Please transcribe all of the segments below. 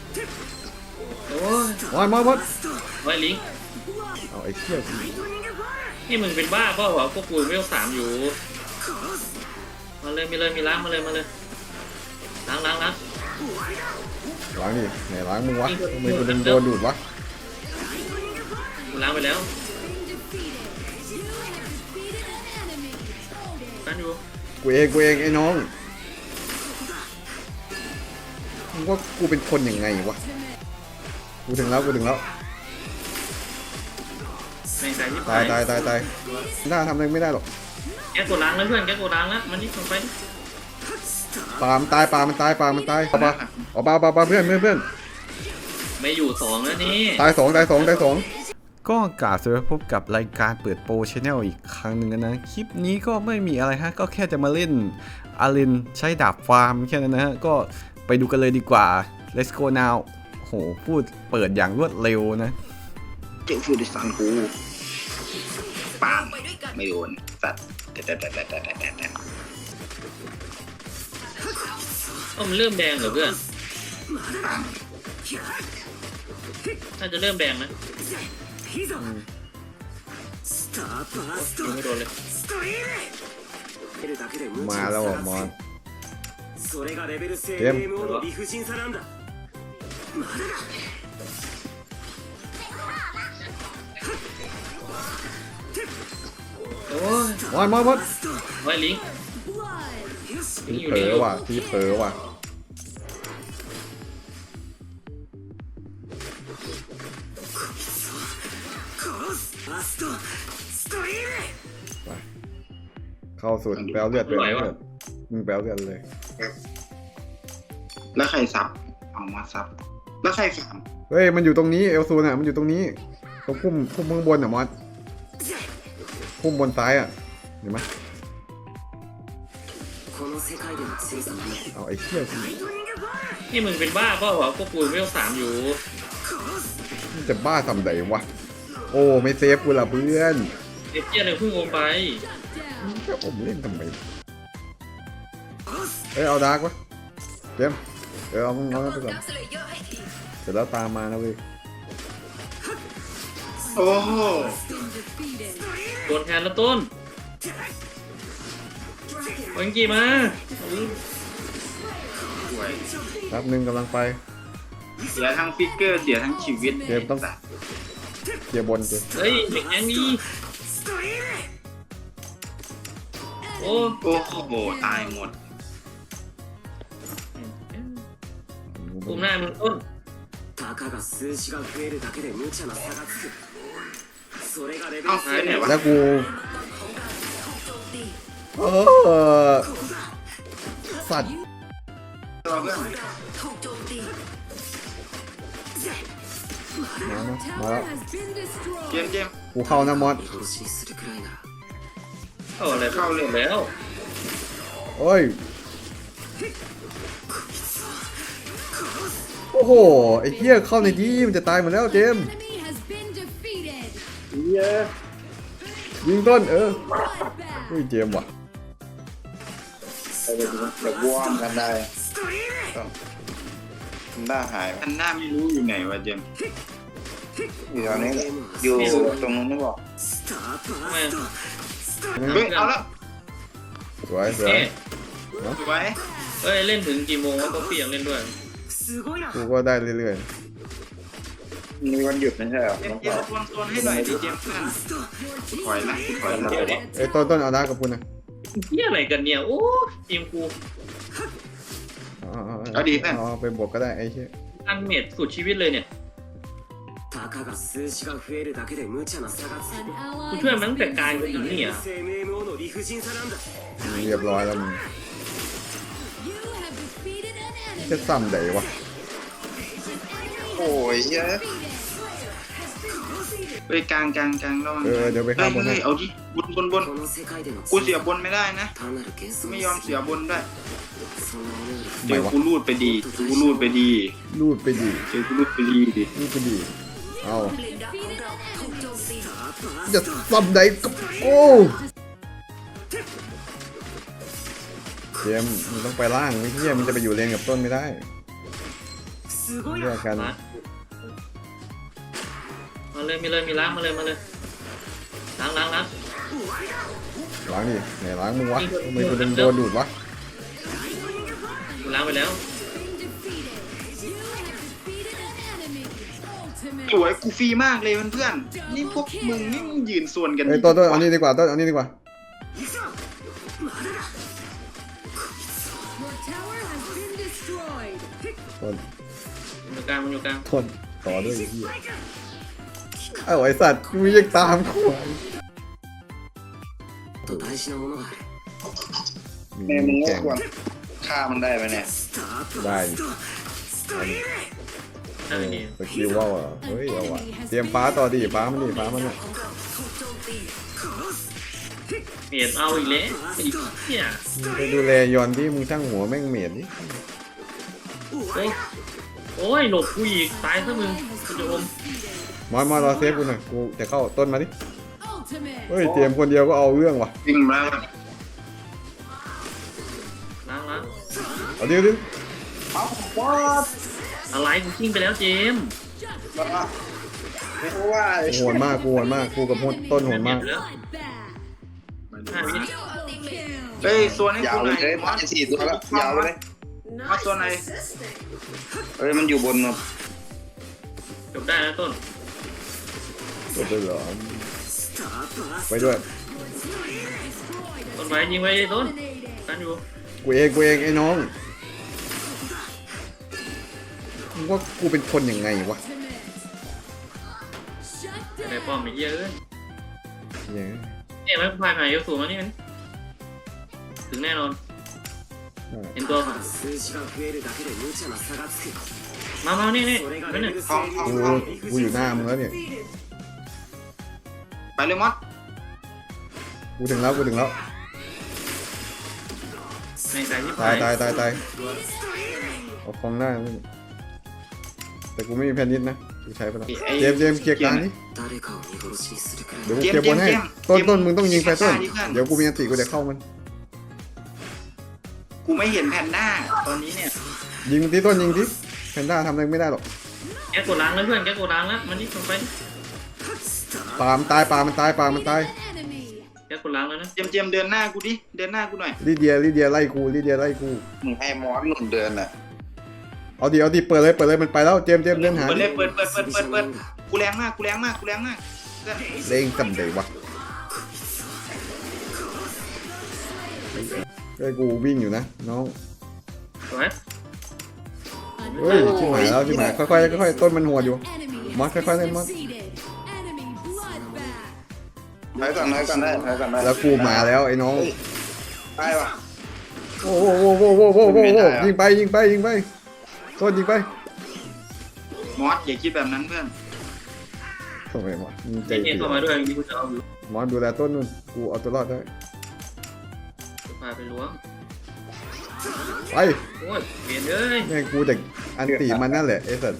โอ้ยมอดไว้ลิงเอาไอ้เชี่ยนี่มึงเป็นบ้าเปล่าวะพวกกูเวล3อยู่มาเลยมีล้างมาเลยล้างล้างดิไหนล้างมึงวะทำไมกูโดนดูดวะกูล้างไปแล้วกันอยู่กูเองไอ้น้องมึงว่ากูเป็นคนยังไงวะกูถึงแล้วแม่งใส่ที่ตายน่าทำอะไรไม่ได้หรอกแกกดล้างแล้วเพื่อนแกกดล้างแล้วมันนี่ลงไปปลามันตายเอาปลาเพื่อนไม่อยู่2แล้วนี่ตายสองก็กล่าวสวัสดีพบกับรายการเปิดโปรชแนลอีกครั้งหนึ่งนะคลิปนี้ก็ไม่มีอะไรฮะก็แค่จะมาเล่นอารินใช้ดาบฟาร์มแค่นั้นนะฮะก็ไปดูกันเลยดีกว่า let's go now โหพูดเปิดอย่างรวดเร็วนะเจ้าฟูดิสันกูปังไม่โดนสัตว์แต่มันเริ่มแดงเหรอเพื่อนปังน่าจะเริ่มแดงนะยังไม่โดนเลยมาแล้วอ่ะมอนเกมโอ้ยมอนไว้ลิงทีเผลอว่ะเข้าสุดแปลเลือดมึงแปลเลือดเลยแล้วใครซับเอามาซับแล้วใครฟาร์มเฮ้ยมันอยู่ตรงนี้เอลซูน่ะมันอยู่ตรงนี้ตรงพุ่มข้างบนอ่ะมอสพุ่มบนซ้ายอ่ะเห็นไหมเอาไอ้เชี่ยนี่มึงเป็นบ้าเปล่าวะพวกกูเวล3อยู่มันจะบ้าทำไดวะโอ้ไม่เซฟกูละเพื่อนเด็กเจี๊ยเลยเพิ่งลงไปก็ผมเล่นทำไมเอ้ยเอาดาร์กวะเกมเอามึงเอาไปก่อนเสร็จแล้วตามมานะเว้ยโอ้โหโดนแทนแล้วต้นวังกี้มาสวยแป๊บนึงกำลังไปเสียทั้งฟิกเกอร์เสียทั้งชีวิตเกมต้องเกียร์บนเกมเฮ้ยเด็กแองนี่โอ้โอ้โหตายหมดปุ่มหน้ามึงต้นเอ้าหายไหนวะแล้วกูสัตว์ตัวเพื่อนมาแล้วเกมกูเข้านะมอสเข้าอะไรเข้าเรื่องแล้วโอ้ยโอ้โหไอ้เหี้ยเข้าในที่มันจะตายหมดแล้วเจมส์ยิงต้นเฮ้ยเจมส์ว่ะแบบวอร์มกันได้หน้าหายอันหน้าไม่รู้อยู่ไหนวะเจมอยู่ตอนนี้อยู่ตรงนู้นนี่บอกทำไมเฮ้ยเอาละสวยเอ๊ะสวยเฮ้ยเล่นถึงกี่โมงวะก็เปียกเล่นด้วยกูก็ได้เรื่อยมีวันหยุดไม่ใช่เหรอเจมโซนให้หน่อยดิเจมเพื่อนถอยละเดี๋ยวดิๆไอ้ต้นเอาดาร์กกับคุณนะเฮียอะไรกันเนี่ยโอ้ทีมกูเอาไปบวกก็ได้ไอ้เหี้ยอันเมดสุดชีวิตเลยเนี่ยกูช่วยมันตั้งแต่การกูถึงนี่อ่ะเรียบร้อยแล้วมึงจะซ้ำไหนวะโอ้ยเยอะไปกลางระวังเดี๋ยวไปข้ามบนให้เฮ้ยเอาดิบนกูเสียบนไม่ได้นะไม่ยอมเสียบนได้เดี๋ยวกูรูดไปดีรูดไปดีเดี๋ยวกูรูดไปดีเอาจะซ้ำไหนกับกูเจมส์มึงต้องไปล่างไอ้เหี้ยมันจะไปอยู่เลนกับต้นไม่ได้แยกกันมาเลยมีล้างมาเลยล้างล้างดิไหนล้างมึงวะทำไมกูโดนดูดวะล้างไปแล้วสวยกูฟรีมากเลยเพื่อนๆนี่พวกมึงนี่มึงยืนส่วนกันเฮ้ยต้นเอานี่ดีกว่าต้นเอานี่ดีกว่า Your tower has been destroyed. ต้นมันอยู่กลางต้นต่อด้วยไอ้เหี้ยเอ้าไอสัตว์กูยังตามกูแม่มึงก็ควรฆ่ามันได้ไหมเนี่ยได้ได้ดีสกิลว่าอ่ะเฮ้ยเอาว่ะเตรียมฟ้าต่อดิฟ้ามันเนี่ยเมียดเอาอีกแล้วเนี่ยมึงไปดูแลยอนที่มึงช่างหัวแม่งเมียดดิโอ้ยหลบกูอีกตายซะมึงกูจะอมมารอเซฟกูหน่อยกูจะเข้าต้นมาดิ Ultimate. เฮ้ยเตรียมคนเดียวก็เอาเรื่องว่ะวิ่งมาล้างเอาเดี๋ยวดิเอาวอดอะไรกูทิ้งไปแล้วเจมส์ไม่รู้ว่ากูโหดมากกูกับต้นโหดมากแล้ว Bloodbath. 5 วิ Double kill. เฮ้ยส่วนให้ยาวกูหเลน่อย ยเลยมอส 4 ตัวแล้วยาวเลยมาส่วนไหนเฮ้ยมันอยู่บนเนาะจบได้แล้วต้นจบเลยเหรอไปด้วยต้นไว้ยิงไว้ต้นกันอยู่กูเองไอ้น้องมึงว่ากูเป็นคนยังไงวะ Shut ในป้อมไอ้เหี้ยเอ้ยเนี่ยเนี่ยไม่พายหายสูงมานี่มันถึงแน่นอนเห็นตัวก่อนมานี่นั่นน่ะห้องกูอยู่หน้ามึงแล้วเนี่ยไปเลยมอสกูถึงแล้วในสายที่ตายเอาฟองหน้ามึงแต่กูไม่มีแพนนิดนะกูใช้ไปแล้วเจมส์เคลียร์กลางนี่เดี๋ยวกูเคลียร์บนให้ต้นมึงต้องยิงไปต้นเดี๋ยวกูมีอันติกูจะเข้ามันกูไม่เห็นแพนด้าตอนนี้เนี่ยยิงที่ต้นยิงที่แพนด้าทำอะไรไม่ได้หรอกแกกดล้างแล้วเพื่อนแกกดล้างแล้วมันนี่ลงไปปลามันตาย enemy. แกกดล้างแล้วนะเจมส์เดินหน้ากูดิเดินหน้ากูหน่อยลิเดียไล่กูมึงให้มอสหนุนเดินอ่ะเอาดิเปิดเลยมันไปแล้วเจมส์เดินหาเปิดเลยเปิดกูแรงมากเพื่อนเล่งจำเดวะเฮ้ยกูวิ่งอยู่นะน้องสวยเฮ้ยชิบหายแล้วค่อยต้นมันหัวอยู่ Enemy Mark, has ค่อยๆ been เล่น Mark. defeated. Enemy bloodbath. ถอยก่อนได้แล้วกูมาแล้วไอ้น้องได้ปะโอ้โหยิงไปต้นยิงไปมอสอย่าคิดแบบนั้นเพื่อนทำไมวะมึงใจเจมเสีเข้ามาด้วยมีกูจะเอาอยู่มอนดูแลต้นนู่นกูเอาตัวรอดได้พาไปล้วงไปโอ้ยเปลี่ยนเลยแม่งกูแต่อันตีมันนั่นแหละไอ้สัส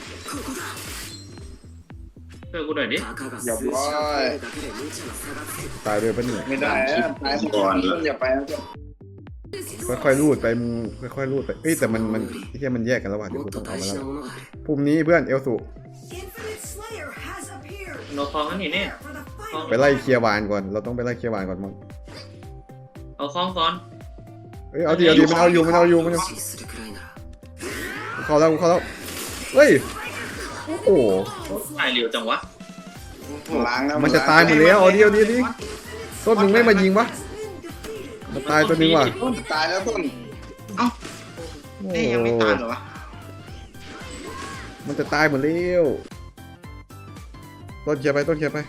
ช่วยกูหน่อยดิอย่าบอยตายเลยปะเนี่ยไม่ได้ตายก่อนอย่าไปนะจ๊ะค่อยๆรูดไปมึงค่อยๆรูดไปเอ้ยแต่มันไอ้เหี้ยมันแยกกันแล้วว่ะเดี๋ยวกูต้องเอามาแล้วพรุ่งนี้เพื่อนเอลสุ Infinite Slayer has appeared. โนคองนั่นนี่เนี่ย For the คอง fight. ไปไล่เคลียร์วานก่อนเราต้องไปไล่เคลียร์วานก่อนมั้งเอาคองก่อนเอ้ยเอาดิมันเอาอยู่เข้าแล้วเฮ้ยโอ้โหตายเร็วจังวะล้างแล้วมันจะตายหมดแล้วเอาดิต้นมึงไม่มายิงวะ มันตายตัวนึงว่ะตายแล้วต้นเอ้าโอ้เอ้ยยังไม่ตายเหรอวะมันจะตายหมดแล้วต้นเคลียร์ไป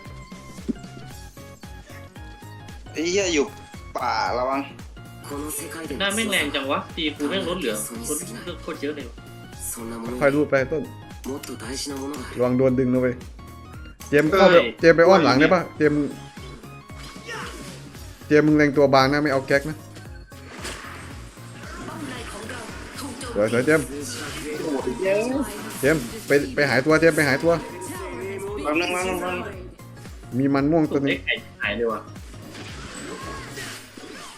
ไอ้เหี้ยอยู่ป่าระวังหน้าแม่งแรงจังวะตีกูแม่งลดเหลือโคตรเยอะเลยค่อยรูดไปต้นระวังโดนดึงนะเว้ยเจมเข้าไปเจมไปอ้อนหลังได้ปะเจมมึงแรงตัวบางนะไม่เอาแก๊กนะเดี๋ยวเจมไปหายตัวเจมไปหายตัวแป๊บนึงมีมันม่วงตัวนึเด็งกหายเลยว่ะ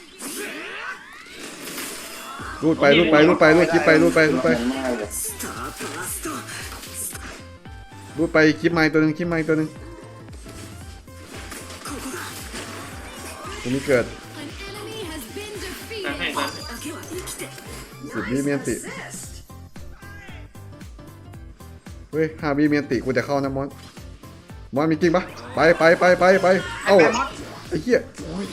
รูดคลิปไปมากเลยรูดไปคลิปไม้ตัวหนึ่งคลิปไม้ตัวหนึ่งตัวนี้เกิด An enemy has been ตามให้ defeated. ตาม 10 วิเมียนติ เฮ้ย5 วิเมียนติกูจะเข้านะมอนมีจริงปะไปเอ้าไอ้เหี้ยโอ้ย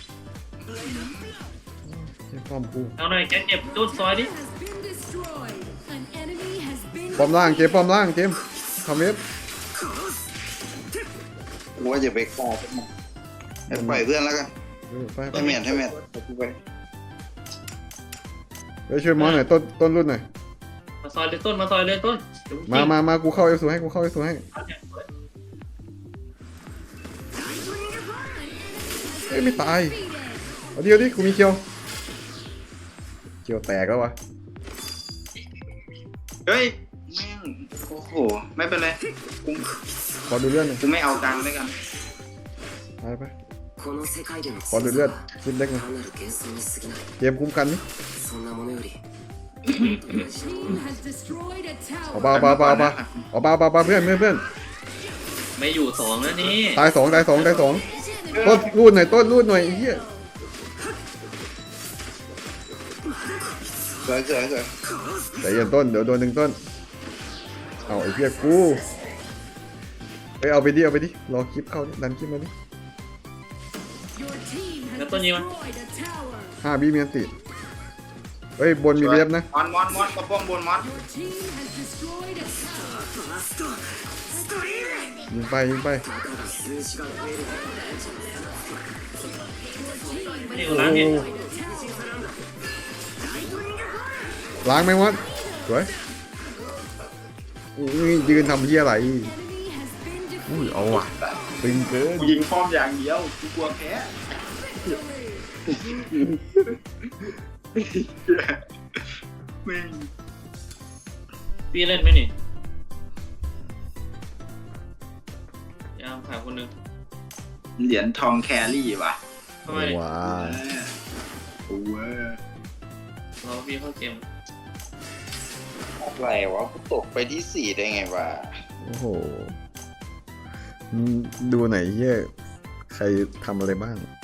เหี้ยป้อมกูเอาหน่อยแกเจ็บโดนซอยดิ Has been destroyed. An enemy has been ป้อมล่างเจมส์ป้อมล่างเจมส์ทำเว็บกูว่าจะไปฆ่าพวกมันให้ปล่อยเพื่อนแล้วกันไปให้เมียนไปกูไปไปช่วยมอนหน่อยต้นรุ่นหน่อยมาซอยเลยต้นมาซอยเลยต้นเดี๋ยวมากูเข้าเอฟสูให้กูเข้าเอฟสูให้เฮ้ยไม่ตายเอาดิกูมีเคียวแตกแล้ววะเฮ้ยแม่งโอ้โหไม่เป็นไรกูขอดูเลือดหน่อยกูไม่เอาตังค์ด้วยกันไปขอดูเลือดชิ้นเล็กหน่อยเจมส์คุ้มกันนี่ team has destroyed a เอา tower. เบาเพื่อนไม่อยู่สองแล้วนี่ตายสองต้นรูดหน่อยไอ้เหี้ยสวยใจเย็นต้นเดี๋ยวโดนหนึ่งต้นเอาไอ้เหี้ยกูไปเอาไปดิรอคลิปเข้าดิดันคลิปมาดิ Your team has Nó có nhiều không? destroyed a tower. 5 วิเมียนติเฮ้ยบนมีเว็บนะมอนกระป้องบนมอน Your team has destroyed a tower. ยิงไปนี่ล้างเนี่ยล้างไหมวะสวยอุ้ยยืนทำเหี้ยอะไร Enemy has been อุ้ย defeated. เอาว่ะตึงเกินกูยิงป้อมอย่างเดียวกูกลัวแพ้แม่งพี่เล่นไหมนี่ยามผ่าคนหนึงเหรียญทองแครี่ว่ะทำไมว้าโอ้ยเราพี่เข้าเกมอะไรวะกูตกไปที่ 4ได้ไงวะโอ้โหดูไหนเหี้ยใครทำอะไรบ้าง